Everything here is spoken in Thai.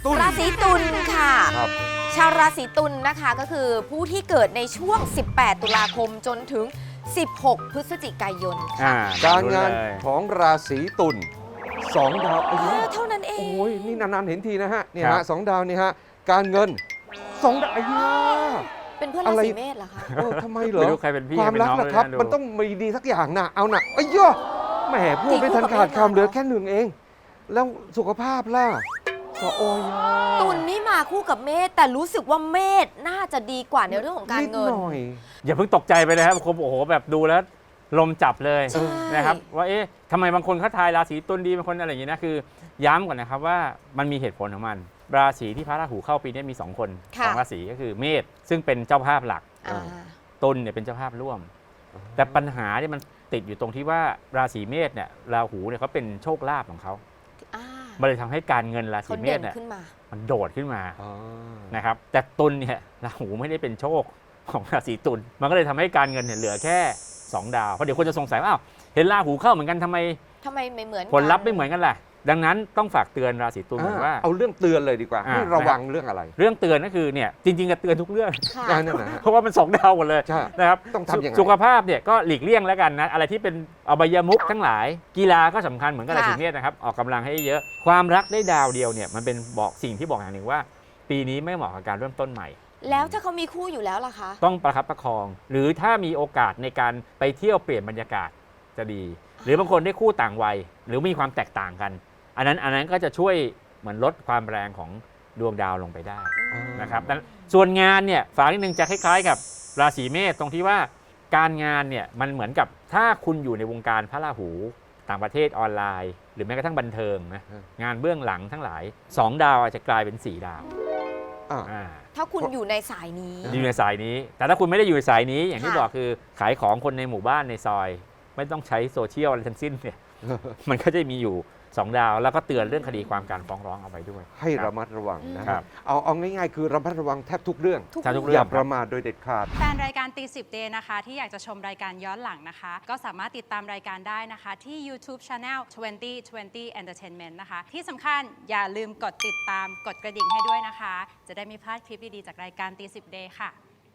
ราศีตุลค่ะครับชาวราศีตุลนะคะก็คือผู้ที่เกิดในช่วง 18 ตุลาคมจนถึง 16 พฤศจิกายนค่ะการงานของราศีตุล2 ดาวเท่านั้นเองโอ้ยนี่นานๆเห็นทีนะฮะเนี่ยฮะ2 ดาวนี่ฮะการเงิน2 ดาวเป็นเพื่อนราศีเมษเหรอคะทำไมเหรอไม่รู้ใครเป็นพี่ความรักเป็นน้องนะครับเลยนะดูมันต้องมีดีสักอย่างนะเอานะไอ้ย่อแหมพูดไม่ทันขาดคำเหลือแค่1เอง แล้วสุขภาพล่ะก็โอ้ยตุลนี่มาคู่กับเมษแต่รู้สึกว่าเมษน่าจะดีกว่าในเรื่องของการนิดเงินหน่อยอย่าเพิ่งตกใจไปนะครับคมโอ้โหแบบดูแล้วลมจับเลยใช่นะครับว่าเอ๊ะทำไมบางคนเขาทายราศีตุลดีบางคนอะไรอย่างนี้นะคือย้ำก่อนนะครับว่ามันมีเหตุผลของมันราศีที่พระราหูเข้าปีนี้มี2 คนค่ะ 2 ราศีก็คือเมษซึ่งเป็นเจ้าภาพหลักอ่าตุลเนี่ยเป็นเจ้าภาพร่วม แต่ปัญหาเนี่ยมันติดอยู่ตรงที่ว่าราศีเมษเนี่ยราหูเนี่ยเขาเป็นโชคลาภของเขาอ่ามันเลยทำให้การเงินราศีเขาเมเด่ษนเนี่ยขึ้นมามันโดดขึ้นมาอ๋อนะครับแต่ตุลเนี่ยราหูไม่ได้เป็นโชคของราศีตุลมันก็เลยทำให้การเงินเนี่ยเหลือแค่ 2 ดาวเพราะเดี๋ยวคนจะสงสัยว่าอ้าวเห็นราหูเข้าเหมือนกันทำไมไม่เหมือนผลลัพธ์ไม่เหมือนกันล่ะดังนั้นต้องฝากเตือนราศีตุลเหมือนว่าเอาเรื่องเตือนเลยดีกว่า ให้ระวังเรื่องอะไรเรื่องเตือนก็คือเนี่ยจริงๆก็เตือนทุกเรื่องค่ะนั่นนะฮะเพราะว่ามัน2 ดาวหมดเลยใช่นะครับต้องทำยังไงสุขภาพเนี่ยก็หลีกเลี่ยงแล้วกันนะอะไรที่เป็นอบายมุขทั้งหลายกีฬาก็สำคัญเหมือนกับราศีเมษนะครับออกกำลังให้เยอะความรักได้ดาวเดียวเนี่ยมันเป็นบอกสิ่งที่บอกอย่างหนึ่งว่า ปีนี้ไม่เหมาะกับการเริ่มต้นใหม่แล้วถ้าเขามีคู่อยู่แล้วล่ะคะต้องประคับประคอง หรือถ้ามีโอกาสในการไปเที่ยวเปลี่ยนบรรยากาศจะดี หรือบางคนได้คู่ต่างวัย หรือมีความแตกต่างกัน อันนั้นก็จะช่วยเหมือนลดความแรงของดวงดาวลงไปได้นะครับดังนั้นส่วนงานเนี่ยฝากนิดนึงจะคล้ายๆกับราศีเมษตรงที่ว่าการงานเนี่ยมันเหมือนกับถ้าคุณอยู่ในวงการพระราหูต่างประเทศออนไลน์ หรือแม้กระทั่งบันเทิงนะงานเบื้องหลังทั้งหลาย 2 ดาวอาจจะกลายเป็น4 ดาวอ่าถ้าคุณอยู่ในสายนี้อยู่ในสายนี้ แต่ถ้าคุณไม่ได้อยู่ในสายนี้อย่างที่ค่ะบอกคือขายของคนในหมู่บ้านในซอย ไม่ต้องใช้โซเชียลอะไรทั้งสิ้นเนี่ย มันก็จะมีอยู่ 2 ดาว แล้วก็เตือนเรื่องคดีความการฟ้องร้องเอาไว้ด้วยให้คระบมัดระวังนะคครัรับ บเอาง่ายๆคือระมัดระวังแทบทุกเรื่องทุกใช่ทุกเรื่อองย่าประมาทโดยเด็ดขาดแฟนรายการตีสิบเดย์นะคะที่อยากจะชมรายการย้อนหลังนะคะ ก็สามารถติดตามรายการได้นะคะ ที่ YouTube Channel 2020 Entertainment นะคะ ที่สำคัญอย่าลืมกดติดตามกดกระดิ่งให้ด้วยนะคะ จะได้ไม่พลาดคลิปดี ๆ จากรายการตีสิบเดย์ค่ะ